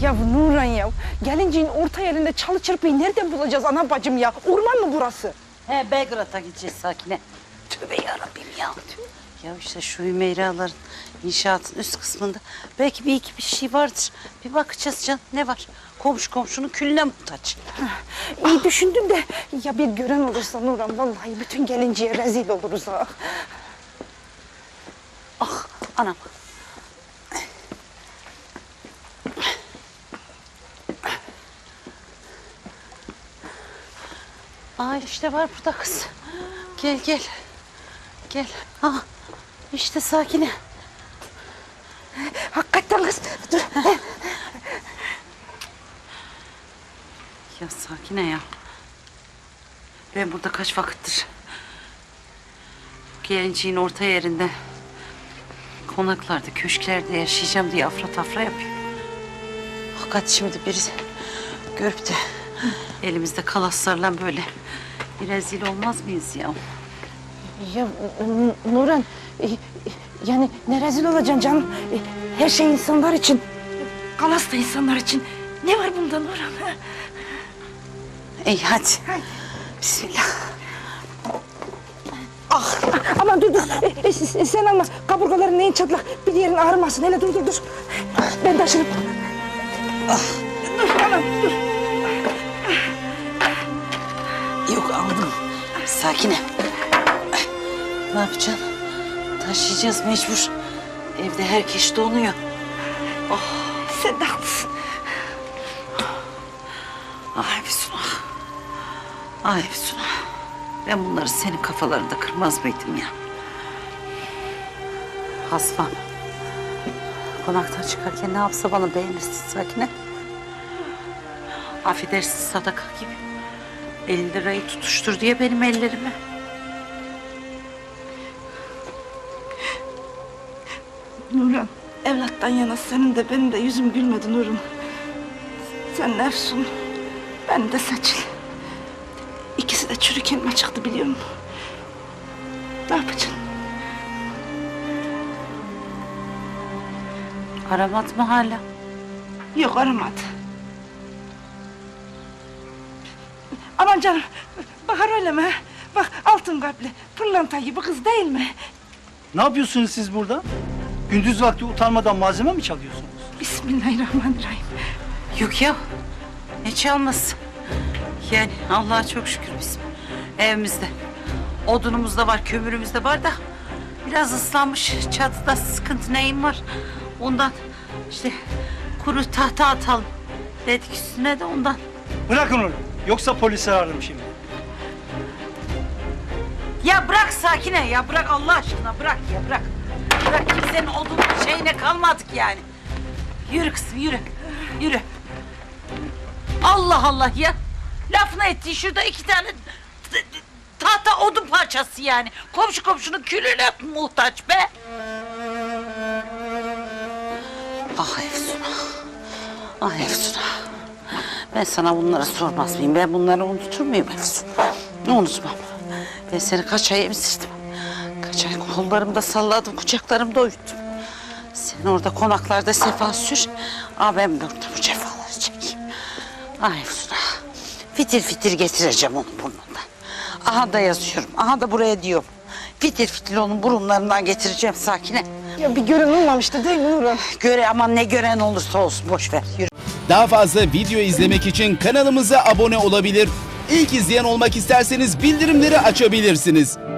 Ya Nurhan ya, gelinciğin orta yerinde çalı çırpıyı nereden bulacağız ana bacım ya? Orman mı burası? He, Belgrad'a gideceğiz Sakine. Tövbe yarabbim ya. Ya işte şu Hümeyraların inşaatın üst kısmında belki bir iki bir şey vardır. Bir bakacağız canım, ne var? Komşu komşunun külüne muhtaç. İyi düşündün de ya bir gören olursa Nurhan, vallahi bütün gelinciye rezil oluruz ha. Ah anam. Aa işte var burada kız. Gel gel. Gel. Ha işte Sakine. Hakikaten kız, dur. Ya Sakine ya. Ben burada kaç vakittir gelinciğin orta yerinde konaklarda, köşklerde yaşayacağım diye afra tafra yapıyorum. Fakat şimdi biri görüp de elimizde kalaslarla böyle bir rezil olmaz mıyız ya? Ya Nurhan, yani ne rezil olacaksın canım? Her şey insanlar için, kalas da insanlar için. Ne var bunda Nurhan? İyi hadi. Bismillah. Ah, aman dur dur. Sen alma. Kaburgaların neyin çatlak. Bir yerin ağrımasın. Hele dur dur dur. Ben taşırım. Dur anam dur. Yok aldım. Sakine. Ne yapacaksın? Taşıyacağız mecbur. Evde herkes donuyor. Sen de haklısın. Ay Füsun ah. Ay Füsun ah. Ben bunları senin kafalarında kırmaz mıydım ya? Hasbam. Konaktan çıkarken ne yapsa bana beğenirsin Sakine. Affedersin sadaka gibi. 50 lirayı tutuştur diye benim ellerime. Nurhan, evlattan yana senin de benim de yüzüm gülmedi Nurhan. Sen Efsun, ben de Seçil. İkisi de çürük elma çıktı biliyor musun? Ne yapacaksın? Aramadı mı hala? Yok aramadı. Aman canım, bakar öyle mi? Bak altın kalpli, pırlanta gibi kız değil mi? Ne yapıyorsunuz siz burada? Gündüz vakti utanmadan malzeme mi çalıyorsunuz? Bismillahirrahmanirrahim. Yok ya. Ne çalması? Yani Allah'a çok şükür bizim evimizde. Odunumuz da var, kömürümüz de var da biraz ıslanmış. Çatıda sıkıntı neyim var? Ondan işte kuru tahta atalım dedik üstüne de ondan. Bırakın onu. Yoksa polisi ararım şimdi. Ya bırak Sakine ya bırak Allah aşkına bırak ya bırak. Bırak kimsenin odun şeyine kalmadık yani. Yürü kızım yürü. Yürü. Allah Allah ya. Lafını ettiği şurada 2 tane tahta odun parçası yani. Komşu komşunun külüne muhtaç be. Ah Efsun ah. Ah Efsun ah. Ben sana bunları sormaz mıyım? Ben bunları unutur muyum Efsun? Unutmam. Ben seni kaç ay emzirdim. Kaç ay kollarımda salladım, kucaklarımda uyuttum. Sen orada konaklarda sefa sür. Ben burada bu cefaları çekeyim. Ay Efsun ah. Fitil fitil getireceğim onun burnundan. Aha da yazıyorum. Aha da buraya diyorum. Fitil fitil onun burunlarından getireceğim Sakine. Ya bir gören olmamıştı değil mi Nurhan? Göre aman ne gören olursa olsun boş ver. Yürü. Daha fazla video izlemek için kanalımıza abone olabilir. İlk izleyen olmak isterseniz bildirimleri açabilirsiniz.